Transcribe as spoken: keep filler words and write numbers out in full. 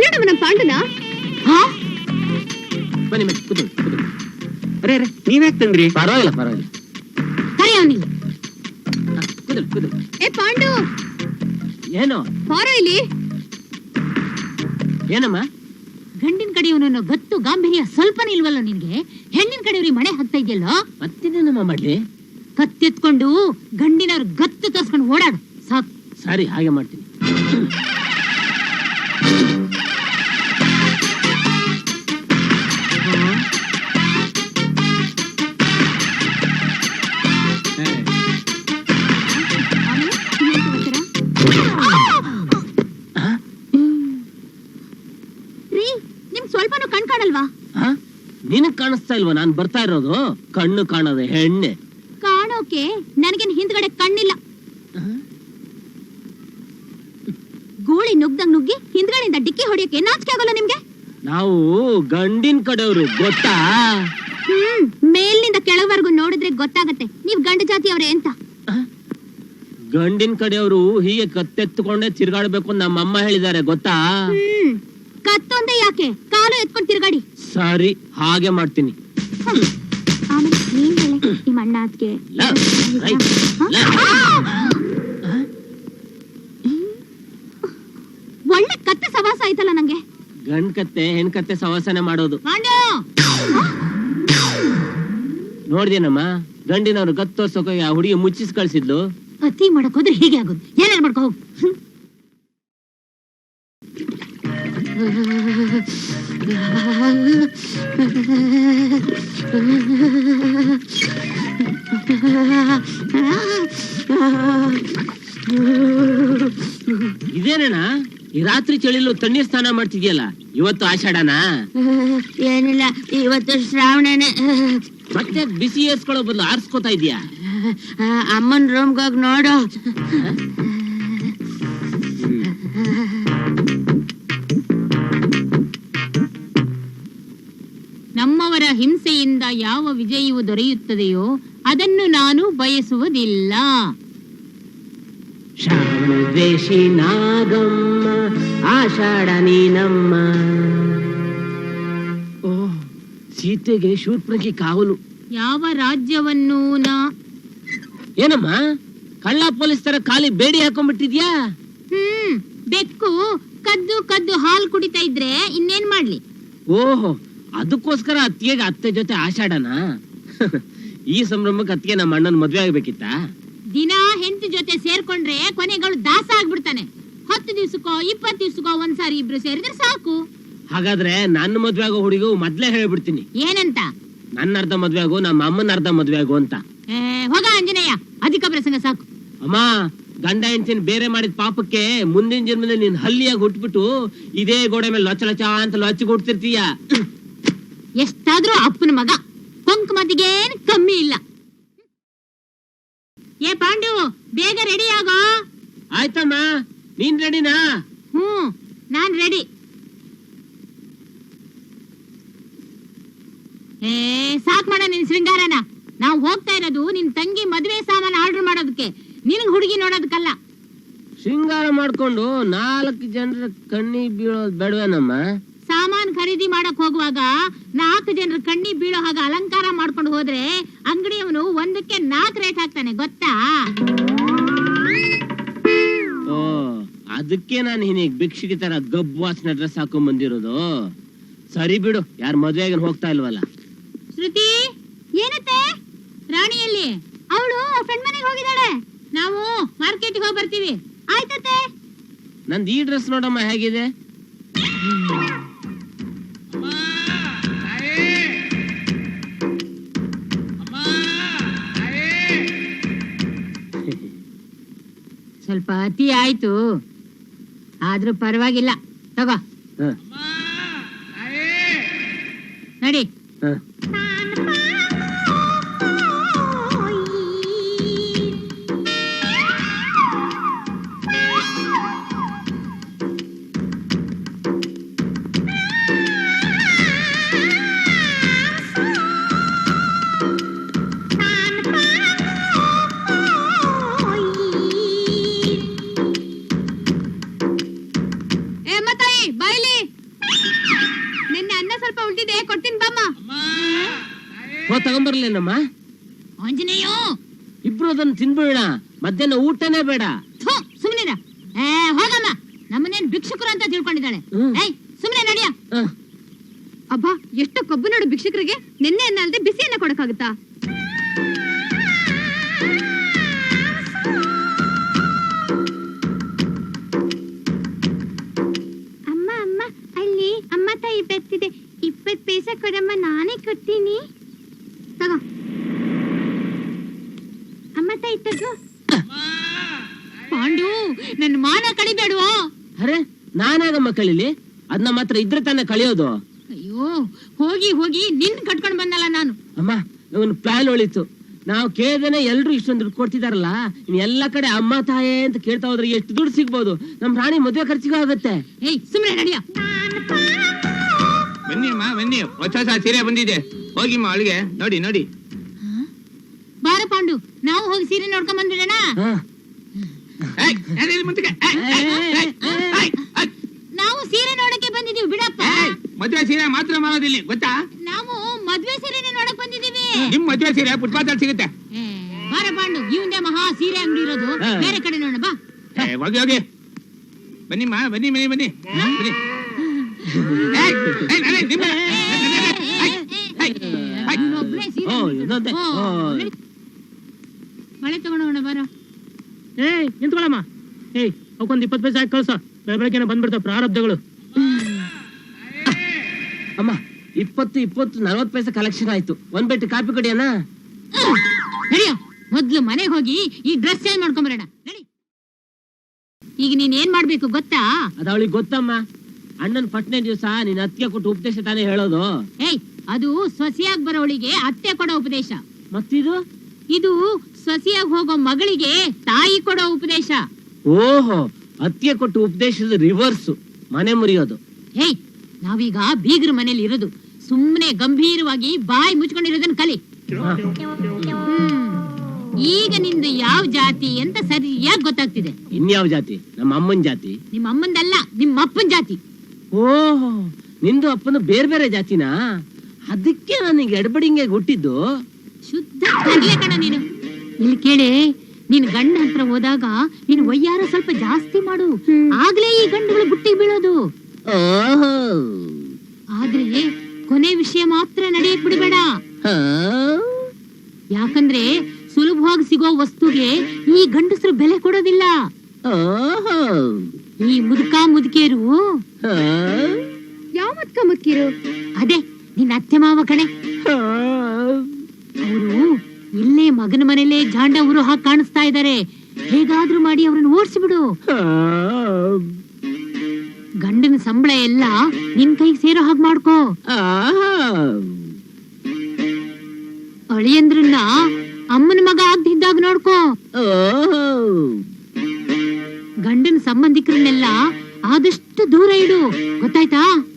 ಕನ್ನಡವ ನಮ್ಮ ಪಾಂಡುನ ಬನ್ನಿ ಮತ್ತೆ ಕೂತು ಕೂತು. ಅರೆ ಅರೆ ನೀವ್ಯಾಕೆ ತಂದ್ರಿ? ಪರವಾಗಿಲ್ಲ ಪರವಾಗಿಲ್ಲ. ಕರಿ ಅವನಿಗೆ. ಕೂತು ಕೂತು. ಏ ಪಾಂಡು, ಏನು ಬಾರೋ ಇಲ್ಲಿ. ಏನಮ್ಮ? ಗಂಡಿನ ಕಡೆಯವನು ಗತ್ತು ಗಾಂಭೀರ್ಯ ಸ್ವಲ್ಪ ಇಲ್ವಲ್ಲ ನಿನ್ಗೆ? ಹೆಣ್ಣಿನ ಕಡೆಯವ್ರಿಗೆ ಮಣೆ ಹಾಕ್ತಾ ಇದೆಯಲ್ಲೋ? ಮತ್ತೇನೇನಮ್ಮ ಮಾಡ್ಲಿ? ಕತ್ತೆತ್ಕೊಂಡು ಗಂಡಿನವ್ರ ಗತ್ತು ತರ್ಸ್ಕೊಂಡು ಓಡಾಡು ಸಾಕು. ಸರಿ, ಹಾಗೆ ಮಾಡ್ತೀನಿ. ಸ್ವಲ್ಪನೂ ಕಣ್ ಕಾಣಲ್ವಾ? ನಿನಗ್ ಕಾಣಿಸ್ತಾ ಇಲ್ವಾ ನಾನ್ ಬರ್ತಾ ಇರೋದು? ಕಣ್ಣು ಕಾಣೋದು ಹೆಣ್ಣೆ. ಕಾಣೋಕೆ ನನಗೇನ್ ಹಿಂದ್ಗಡೆ ಕಣ್ಣಿಲ್ಲ. ಗೂಳಿ ನುಗ್ದಂಗ್ ನುಗ್ಗಿ ಹಿಂದ್ಗಡೆಯಿಂದ ಡಿಕ್ಕಿ ಹೊಡಿಯೋಕೆ ನಾಚಿಕೆ ಆಗೋಲ್ಲ ನಿಮ್ಗೆ? ನಾವು ಗಂಡಿನ ಕಡೆಯವರು ಗೊತ್ತಾ? ಹ್ಮ್, ಮೇಲಿನಿಂದ ಕೆಳವರೆಗೂ ನೋಡಿದ್ರೆ ಗೊತ್ತಾಗತ್ತೆ ನೀವ್ ಗಂಡ ಜಾತಿಯವ್ರೆ ಅಂತ. ಗಂಡಿನ ಕಡೆಯವರು ಹೀಗೆ ಕತ್ತೆತ್ತುಕೊಂಡೇ ತಿರ್ಗಾಡ್ಬೇಕು ನಮ್ಮಮ್ಮ ಹೇಳಿದ್ದಾರೆ ಗೊತ್ತಾ? ಹ್ಮ್, ಕತ್ತೊಂದೇ ಯಾಕೆ, ಕಾಲು ಎತ್ಕೊಂಡು ತಿರ್ಗಾಡಿ. ಸರಿ, ಹಾಗೆ ಮಾಡ್ತೀನಿ. ಆಮೇಲೆ ನೀನ್ ಹೇಳಿ ನಿಮ್ಮ ಅಣ್ಣ ಅದ್ಕೆ ಒಳ್ಳೆ ಕತ್ತೆ ಸವಾಸ ಆಯ್ತಲ್ಲ ನಂಗೆ. ಗಂಡ್ ಕತ್ತೆ ಹೆಣ್ ಕತ್ತೆ ಸವಾಸನೆ ಮಾಡೋದು ನೋಡ್ದೇನಮ್ಮ? ಗಂಡಿನವ್ರು ಗತ್ತು ತೋರ್ಸೋಕೆ ಆ ಹುಡುಗಿ ಮುಚ್ಚಿಸ್ ಕಳ್ಸಿದ್ಲು. ಅತಿ ಮಾಡಕ್ ಹೋದ್ರೆ ಹೀಗೆ ಆಗೋದು. ಏನೇನ್ ಮಾಡ್ಕೋ ಹೋಗ್. ಇದೇನಣ್ಣ ಈ ರಾತ್ರಿ ಚಳಿಲು ತಣ್ಣೀರ್ ಸ್ನಾನ ಮಾಡ್ತಿದ್ಯಲ್ಲ? ಇವತ್ತು ಆಷಾಢನಾ? ಏನಿಲ್ಲ, ಇವತ್ತು ಶ್ರಾವಣನೇ. ಮತ್ತೆ ಬಿಸಿ ಏರ್ಸ್ಕೊಳ್ಳೋ ಬದಲು ಆರ್ಸ್ಕೊತಾ ಇದೀಯಾ? ಅಮ್ಮನ್ ರೂಮ್ಗೋಗ್ ನೋಡು. ನಮ್ಮವರ ಹಿಂಸೆಯಿಂದ ಯಾವ ವಿಜಯವು ದೊರೆಯುತ್ತದೆಯೋ ಅದನ್ನು ನಾನು ಬಯಸುವುದಿಲ್ಲ. ಶ್ರಾವಣ ದ್ವೇಷಿ ನಾಗಮ್ಮ ಆಷಾಢ ನೀನಮ್ಮ. ಓ, ಸೀತೆಗೆ ಶೂರ್ಪಣಖಿ ಕಾವಲು. ಯಾವ ರಾಜ್ಯವನ್ನು ನಾ ಏನಮ್ಮ ಕಳ್ಳ ಪೊಲೀಸ್ ತರ ಖಾಲಿ ಬೇಡಿ ಹಾಕೊಂಡ್ಬಿಟ್ಟಿದ್ಯಾ? ಹ್ಮ್, ಬೆಕ್ಕು ಕದ್ದು ಕದ್ದು ಹಾಲು ಕುಡಿತಾ ಇದ್ರೆ ಇನ್ನೇನ್ ಮಾಡ್ಲಿ? ಓಹೋ, ಅದಕ್ಕೋಸ್ಕರ ಅತ್ತಿಗೆಗೆ ಅತ್ತೆ ಜೊತೆ ಆಷಾಢನಾ? ಈ ಸಂಭ್ರಮಕ್ಕೆ ಅತ್ತಿಗೆ ನಮ್ಮ ಅಣ್ಣನ ಮದ್ವೆ ಆಗ್ಬೇಕಿತ್ತ? ದಿನ ಹೆಂಡತಿ ಜೊತೆ ಸೇರ್ಕೊಂಡ್ರೆ ಕೊನೆಗಳು ದಾಸ ಆಗ್ಬಿಡ್ತಾನೆ. ಹತ್ತು ದಿವ್ಸಕ್ಕೋ ಇಪ್ಪತ್ತು ದಿವ್ಸಕ್ಕೋ ಒಂದ್ಸಾರಿ ಇಬ್ರು ಸೇರಿದ್ರೆ ಸಾಕು. ಹಾಗಾದ್ರೆ ನನ್ನ ಮದ್ವೆ ಆಗೋ ಹುಡುಗ ಮೊದ್ಲೇ ಹೇಳ್ಬಿಡ್ತೀನಿ. ಏನಂತ? ನನ್ನ ಅರ್ಧ ಮದ್ವೆ ಆಗು, ನಮ್ಮ ಅಮ್ಮನ ಅರ್ಧ ಮದ್ವೆ ಆಗು ಅಂತ. ಹೋಗ ಆಂಜನೇಯ, ಅಧಿಕ ಪ್ರಸಂಗ ಸಾಕು. ಅಮ್ಮ, ಗಂಡ ಹೆಂಡತಿನ ಬೇರೆ ಮಾಡಿದ ಪಾಪಕ್ಕೆ ಮುಂದಿನ ಜನ್ಮದಲ್ಲಿ ನೀನ್ ಹಲ್ಲಿಯಾಗಿ ಹುಟ್ಬಿಟ್ಟು ಇದೇ ಗೋಡೆ ಮೇಲೆ ಲೊಚ್ಚ ಲೊಚ್ಚ ಅಂತ ಲೊಚ್ಚಿ ಕೊಡ್ತಿರ್ತೀಯ. ಎಷ್ಟಾದ್ರೂ ಅಪ್ಪನ ಮಗ, ಕೊಂಕ್ ಮತಿಗೇನ್ ಕಮ್ಮಿ ಇಲ್ಲ. ಏ ಪಾಂಡು, ಬೇಗ ರೆಡಿ ಆಗೋ. ಆಯ್ತಮ್ಮ, ನೀನ್ ರೆಡಿನಾ? ಹ್ಮ್, ನಾನ್ ರೆಡಿ. ಏ ಸಾಕ್ ಮಾಡ ನಿನ್ ಶೃಂಗಾರನ. ನಾವ್ ಹೋಗ್ತಾ ಇರೋದು ನಿನ್ ತಂಗಿ ಮದ್ವೆ ಸಾಮಾನು ಆರ್ಡರ್ ಮಾಡೋದಕ್ಕೆ, ನಿನಗ್ ಹುಡುಗಿ ನೋಡೋದಕ್ಕಲ್ಲ. ಶೃಂಗಾರ ಮಾಡ್ಕೊಂಡು ನಾಲ್ಕು ಜನರ ಕಣ್ಣಿ ಬೀಳೋದ್ ಬೇಡವೇನಮ್ಮ? ಸಾಮಾನ್ ಖರೀದಿ ಮಾಡಕ್ ಹೋಗುವಾಗ ನಾಲ್ಕು ಜನರ ಕಣ್ಣಿ ಬೀಳೋ ಹಾಗ ಅಲಂಕಾರ ಮಾಡ್ಕೊಂಡು ಹೋದ್ರೆ ಅಂಗಡಿಯವನು ಒಂದಕ್ಕೆ ನಾಲ್ಕು ರೇಟ್ ಹಾಕ್ತಾನೆ ಗೊತ್ತಾ? ಓ, ಅದಕ್ಕೆ ನಾನು ಹೀನಿಗ್ ಭಿಕ್ಷುಕಿ ತರ ಗಬ್ಬು ವಾಸನೆ ಡ್ರೆಸ್ ಹಾಕೊಂಡ್ ಬಂದಿರೋದು. ಸರಿ ಬಿಡು, ಯಾರ ಮದ್ವೆಗೆ ಹೋಗ್ತಾ ಇಲ್ವಲ್ಲ. ಶ್ರುತಿ, ಏನತ್ತೆ? ರಾಣಿಯಲ್ಲಿ ಅವಳು ಫ್ರೆಂಡ್ ಮನೆಗೆ ಹೋಗಿದ್ದಾಳೆ. ನಾವು ಮಾರ್ಕೆಟ್ಗೆ ಹೋಗಿ ಬರ್ತೀವಿ. ಆಯ್ತತ್ತೆ. ನಂದು ಈ ಡ್ರೆಸ್ ನೋಡಮ್ಮ ಹೇಗಿದೆ. ಸ್ವಲ್ಪ ಅತಿ ಆಯ್ತು, ಆದ್ರೂ ಪರವಾಗಿಲ್ಲ. ತಗೋ ನಡಿ. ಏ ಮತ್ತಾಯಿ ಬೈಲಿ. ಸ್ವಲ್ಪ ಉಳ್ದಿದೆ, ಕೊಡ್ತೀನಿ ಬಾಮ್ಮ. ಹೋ ತಗೊಂಬರ್ಲೇನಮ್ಮ. ಆಂಜನೇಯ, ಇಬ್ರು ಅದನ್ನ ತಿನ್ಬೇಡ, ಮಧ್ಯಾಹ್ನ ಊಟನೇ ಬೇಡ. ಸುಮ್ನಿರ. ಏ ಹೋಗಮ್ಮ, ನಮ್ಮನೇನ್ ಭಿಕ್ಷುಕರು ಅಂತ ತಿಳ್ಕೊಂಡಿದ್ದಾಳೆ. ಏಯ್ ಸುಮ್ನೆ ನಡಿಯ. ಅಬ್ಬಾ, ಎಷ್ಟು ಕೊಬ್ಬು ನೋಡು ಭಿಕ್ಷುಕರಿಗೆ. ನಿನ್ನೆ ಅನ್ನ ಅಲ್ದೆ ಬಿಸಿಯನ್ನ ಕೊಡಕ್ಕಾಗುತ್ತಾ? ಅಮ್ಮ ಅಮ್ಮ, ಅಲ್ಲಿ ಅಮ್ಮ ತಾಯಿ ಬರ್ತಿದೆ. ಇಪ್ಪತ್ ಪೈಸೆ ಕೊಡಮ್ಮ, ನಾನೇ ಕೊಡ್ತೀನಿ. ತಗೋ ಅಮ್ಮ ತಾಯಿ, ತಗೋ. ಪಾಂಡು, ನನ್ನ ಮಾನ ಕಳಿಬೇಡುವ. ಅರೆ ನಾನಾಗಮ್ಮ ಕಳಿಲಿ, ಅದನ್ನ ಮಾತ್ರ ಇದ್ರೆ ತಾನೇ ಕಳಿಯೋದು. ಅಯ್ಯೋ, ಹೋಗಿ ಹೋಗಿ ನಿನ್ ಕಟ್ಕೊಂಡ್ ಬಂದಲ್ಲ ನಾನು. ಅಮ್ಮ, ಒಂದು ಪ್ಲಾನ್ ಒಳಿತು. ನಾವು ಕೇಳ್ದೇನೆ ಎಲ್ರು ಇಷ್ಟೊಂದು ದುಡ್ಡು ಕೊಡ್ತಿದಾರಲ್ಲ, ಇನ್ ಎಲ್ಲಾ ಕಡೆ ಅಮ್ಮ ತಾಯೇ ಅಂತ ಕೇಳ್ತಾ ಹೋದ್ರೆ ಎಷ್ಟು ದುಡ್ಡು ಸಿಗ್ಬೋದು. ನಮ್ ರಾಣಿ ಮದುವೆ ಖರ್ಚಿಗೂ ಆಗುತ್ತೆ. ಏಯ್ ಸುಮ್ನೆ ನಡಿಯ. ಬನ್ನಿ ಅಮ್ಮ, ಬನ್ನಿ. ಹೊಸ ಹೊಸ ಸೀರೆ ಬಂದಿದೆ, ಹೋಗಿಮ್ಮ ಅಳಿಗೆ ನೋಡಿ ನೋಡಿ. ಬಾರ ಪಾಂಡು, ನಾವು ಹೋಗಿ ಸೀರೆ ನೋಡ್ಕೊಂಡ್ ಬಂದ್ಬಿಡೋಣ. ಏಯ್, ಯಾರಿಲ್ಲಿ ಮುಂಚೆಗೆ? ಏಯ್, ಏಯ್, ಏಯ್, ಏಯ್, ಏಯ್. ನಾವು ಸೀರೆ ನೋಡಕ್ಕೆ ಬಂದಿದೀವಿ ಬಿಡಪ್ಪ. ಏಯ್, ಮದ್ವೆ ಸೀರೆ ಮಾತ್ರ ಮಾಡೋದಿಲ್ಲಿ ಗೊತ್ತಾ? ನಾವು ಮದ್ವೆ ಸೀರೆನೆ ನೋಡಕ್ ಬಂದಿದೀವಿ. ನಿಮ್ ಮದ್ವೆ ಸೀರೆ ಫುಟ್ಪಾತ್ ಅಲ್ಲಿ ಸಿಗುತ್ತೆ. ಏ, ಬಾರ ಪಾಂಡು, ಇವಂದೇ ಮಹಾ ಸೀರೆ ಅಂಗಡಿ ಇರೋದು. ಬೇರೆ ಕಡೆ ನೋಡ ಬಾ. ಏ, ಹೋಗಿ ಹೋಗಿ. ಬನ್ನಿಮ್ಮ, ಬನ್ನಿ ಬನ್ನಿ ಬನ್ನಿ ಬನ್ನಿ. ಏಯ್, ಏಯ್, ನಡೆ, ನಿಮ್ಮ. ಏಯ್, ಏಯ್, ಏಯ್. ನೀನೊಬ್ನೇ ಸೀರೆ ಓ, ನೋಡ್ತಿದ್ದ. ಇನ್ನೊಂದೇ. ಓ, ಓ. ನಡಿ. ಮಳೆ ತಗೊಂಡೋಣ ಬಾರ. ಏಯ್ ನಿಂತ್ಕೊಳ್ಳಮ್ಮ. ಏಯ್ ಅವಕ್ಕೊಂದ್ ಇಪ್ಪತ್ತು ಪೈಸೆ ಹಾಕಿ ಕಳ್ಸ. ಬೆಳ ಬೆಳಗ್ಗೆನೆ ಬಂದ್ಬಿಡ್ತಾವ ಪ್ರಾರಬ್ಧಗಳು. ಅಮ್ಮ, ಇಪ್ಪತ್ತು ಇಪ್ಪತ್ತು ನಲ್ವತ್ತು ಪೈಸೆ ಕಲೆಕ್ಷನ್ ಆಯ್ತು. ಒಂದ್ ಬೆಟ್ಟು ಕಾಪಿ ಕೊಡಿಯಣ್ಣ. ನಡಿಯ, ಮೊದ್ಲು ಮನೆಗೆ ಹೋಗಿ ಈ ಡ್ರೆಸ್ ಚೇಂಜ್ ಮಾಡ್ಕೊಂಬರೋಣ. ನಡಿ. ಈಗ ನೀನ್ ಏನ್ ಮಾಡ್ಬೇಕು ಗೊತ್ತಾ? ಅದ ಅವಳಿಗೆ ಗೊತ್ತಮ್ಮ. ಅಣ್ಣನ್ ಫಸ್ಟ್ನೇ ದಿವಸ ನೀನ್ ಅತ್ತಿಗೆ ಕೊಟ್ಟು ಉಪದೇಶ ತಾನೇ ಹೇಳೋದು. ಏಯ್, ಅದು ಸೊಸೆಯಾಗಿ ಬರೋಳಿಗೆ ಅತ್ತೆ ಕೊಡೋ ಉಪದೇಶ. ಮತ್ತಿದು? ಇದು ಸೊಸೆಯಾಗಿ ಹೋಗೋ ಮಗಳಿಗೆ ತಾಯಿ ಕೊಡೋ ಉಪದೇಶ. ಓಹೋ, ಅತ್ತಿಗೆ ಕೊಟ್ಟು ಉಪದೇಶದ ರಿವರ್ಸ್, ಮನೆ ಮುರಿಯೋದು. ಏಯ್, ನಾವೀಗ ಬೀಗ್ರ ಮನೇಲಿ ಇರೋದು. ಸುಮ್ನೆ ಗಂಭೀರವಾಗಿ ಬಾಯಿ ಮುಚ್ಕೊಂಡಿರೋದನ್ನ ಕಲಿ. ಹ್ಮ್. ಈಗ ನಿಂದು ಯಾವ ಜಾತಿ ಅಂತ ಸರಿಯಾಗಿ ಗೊತ್ತಾಗ್ತಿದೆ. ಇನ್ಯಾವ ಜಾತಿ? ನಮ್ಮ ಅಮ್ಮನ್ ಜಾತಿ. ನಿಮ್ಮ ಅಮ್ಮಂದಲ್ಲ, ನಿಮ್ಮ ಅಪ್ಪನ ಜಾತಿ. ಓಹೋ, ನಿಂದು ಅಪ್ಪನ ಬೇರೆ ಬೇರೆ ಜಾತಿನಾ? ಅದಕ್ಕೆ ನನಗೆ ಎಡಬಡಿಂಗೆ ಹುಟ್ಟಿದ್ದು. ಶುದ್ಧ ಕಡ್ಲೆ ಕಣ ನೀನು. ಇಲ್ಲಿ ಕೇಳಿ, ನೀನ್ ಗಂಡ ಹತ್ರ ಹೋದಾಗ ನೀನು ವಯ್ಯಾರ ಸ್ವಲ್ಪ ಜಾಸ್ತಿ ಮಾಡು, ಆಗ್ಲೇ ಈ ಗಂಡುಗಳು ಬುಟ್ಟಿಗೆ ಬೀಳೋದು. ಆದ್ರೆ ಕೊನೆ ವಿಷಯ ಮಾತ್ರ ನಡೆಯಕ್ ಬಿಡಬೇಡ. ಯಾಕಂದ್ರೆ ಸುಲಭವಾಗಿ ಸಿಗೋ ವಸ್ತುಗೆ ಈ ಗಂಡಸರು ಬೆಲೆ ಕೊಡೋದಿಲ್ಲ. ಈ ಮುದುಕ ಮುದುಕಿಯರು. ಯಾವ ಮುದುಕ ಮುದುಕಿರು? ಅದೇ ನಿನ್ನ ಅತ್ತೆ ಮಾವ ಕಣೆ. ಅವರು ಇಲ್ಲೇ ಮಗನ ಮನೇಲೆ ಜಾಂಡ ಊರು ಹಾಕಿ ಕಾಣಿಸ್ತಾ ಇದ್ದಾರೆ. ಹೇಗಾದ್ರೂ ಮಾಡಿ ಅವ್ರನ್ನ ಓಡಿಸ್ಬಿಡು. ಗಂಡನ ಸಂಬಳ ಎಲ್ಲ ನಿನ್ ಕೈಗೆ ಸೇರೋ ಹಾಗೆ ಮಾಡ್ಕೋ. ಅಳಿಯಂದ್ರನ್ನ ಅಮ್ಮನ ಮಗ ಆಗ್ದಿದ್ದಾಗ ನೋಡ್ಕೋ. ಗಂಡನ ಸಂಬಂಧಿಕರನ್ನೆಲ್ಲ ಆದಷ್ಟು ದೂರ ಇಡು, ಗೊತ್ತಾಯ್ತಾ?